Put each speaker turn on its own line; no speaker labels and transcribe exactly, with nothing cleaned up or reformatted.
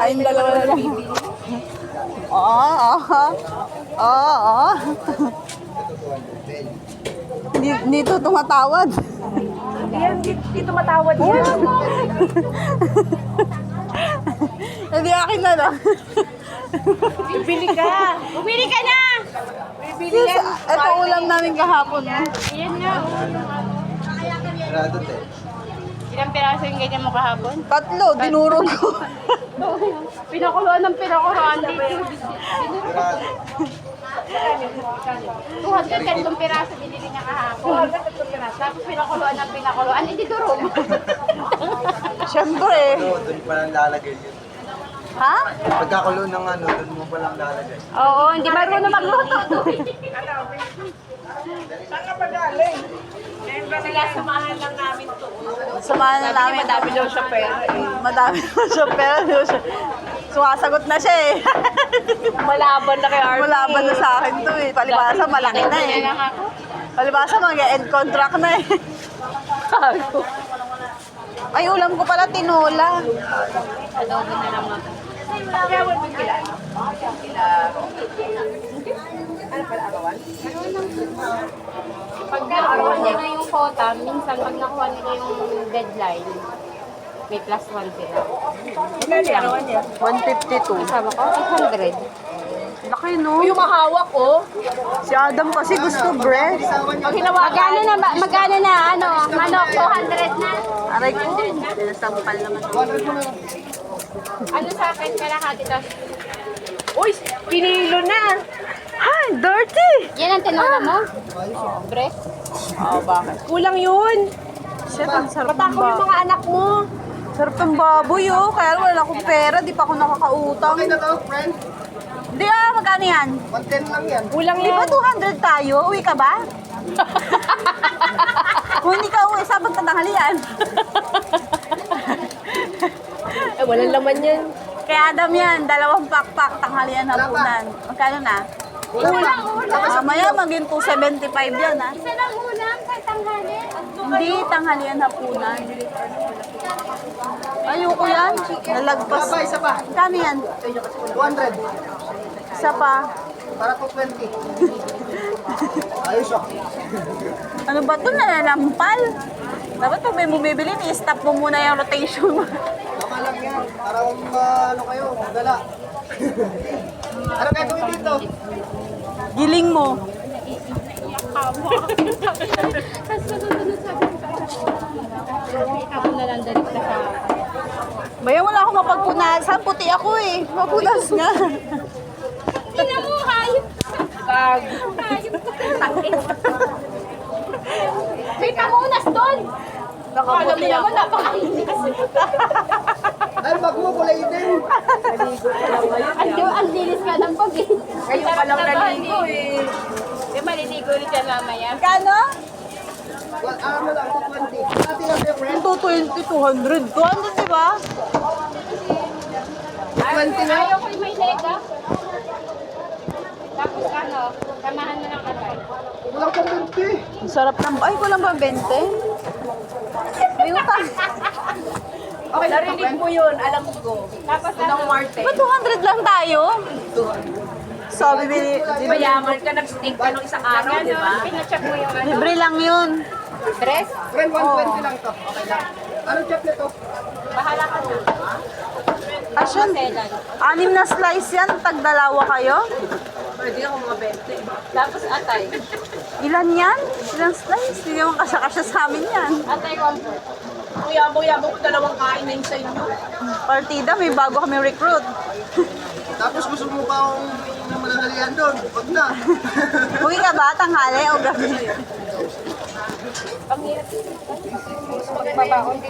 Tayong dalawa na lang. Oo, oo. Oo, oo. Hindi, hindi ito tumatawad.
Yan, hindi tumatawad yan.
Hindi akin na lang.
Bibili ka. Bumili ka na. Bibili
Sis,
yan.
ito ulam namin kahapon.
Yan nga.
Radot eh.
Ilang piraso yung ganyan mo kahapon?
Tatlo, dinurog ko.
Pinakuluan ng pinakuluan dito. two hundred tatlong piraso binili niya kahapon. Tapos pinakuluan ng pinakuluan. Hindi durog.
Siyempre.
Oo, doon pa lang lalagay yun.
Ha?
Pagkakulo ng ano, doon mo pa lang lalagay.
Oo, hindi marunong magluto. Sila samahan lang namin to.
Samahan na namin.
Madami daw siya pera.
Madami na siya, pero di siya. Sumasagot na siya eh.
Malaban na kay Arnie.
Malaban na sa akin to eh. Palibasa, malaki na eh. Palibasa, mag-end contract na eh. Ay, ulam ko pala, tinola.
Adobo na lang ako. Kaya wala mo kila. Ano pala arawan? Pag nakuha nila yung quota, minsan pag nakuha nila yung deadline, may plus one sila. Magkano arawan niya?
one fifty-two.
Kasama ko, eight hundred.
Laki no?
Yung mahawak ko.
Si Adam kasi gusto breast.
Pag hinawakan. Magkano na, ba- magkano na, ano, manok, two hundred na.
Aray ko, sinasampal naman.
Ano sa akin, kalahati to? Uy, pinilo na.
Ay, dirty!
Yan ang tinola mo? Oh, breast.
Oo, bakit?
Kulang yun.
Shit, ang sarap ng
Patako yung
baboy.
mga anak mo.
Sarap ng baboy oh. Kaya wala akong pera, di pa ako nakakautang.
Okay na to, friend.
Hindi ah, magkano yan?
one ten lang yan.
Kulang
Di ba two hundred tayo? Uwi ka ba? Kung hindi ka uwi, sabag tanghalian.
Eh, walang laman yan.
Kaya Adam yan, dalawang pakpak, tanghalian hapunan. Magkano na?
Ulam.
Mamaya maging two seventy-five yan ha.
Isa lang ulam sa tanghali.
Hindi, tanghalian hapunan. Ayoko yan. Nalagpas.
Isa pa, isa pa.
Magkano yan?
two hundred.
Isa pa.
Para two twenty. Ayos ah.
Ano ba ito? Nalalampal? Dapat pag may bumibili, i-stop mo muna yung rotation mo.
Tama lang yan. Para uh, ano kayo, magdala. Ano kayo gawin dito?
Giling mo.
Tapos susunod sabi ko. Ako na lang dalit ka sa
Baya wala akong mapagpunasan. Puti ako eh. Mapunas nga.
Tingnan mo, hayop. Kag. Hayop. Takit. May pangunas doon. Alam mo naman, napakainis.
Ay, bag mo, kulay din.
Ang, ang linis ka ng pag eh.
Ngayon pa lang naligo
eh. Di maliligo rin dyan mamaya.
Kano?
Well, ano lang, two twenty. Dati lang kayo, friend.
two twenty, two hundred. two hundred diba?
twenty na.
Ayaw ko yung may lega. Tapos ano, samahan mo ng katay.
Walang pang twenty.
Ang sarap ng... Ay, kulang ba twenty? May utang.
Okay, narinig mo yun, alam ko. Tapos ano, Marte.
Ba two hundred lang tayo? Sabi, bili,
Di ba yaman ka, nag-stick ka nung isang araw, di ba? Pinacheck mo yung ano.
libre lang yun.
Dress?
Friend, one twenty lang to. Okay lang. Ano chop nito?
Bahala ka na.
Asyan,
Selan.
anim na slice yan. Tagdalawa kayo.
Pwede ako mga twenty. Tapos atay.
Ilan yan? Ilang slice? Hindi naman kasya-kasya sa amin yan.
Atay comfort.
Ang yabang-yabang ko dalawang kain na yun sa inyo.
Partida, may bago kami recruit.
Tapos gusto mo pa akong na mananalian doon. Wag na.
Uwi ka ba? Tanghali o gabi?
Ang hirap. Magbabaon din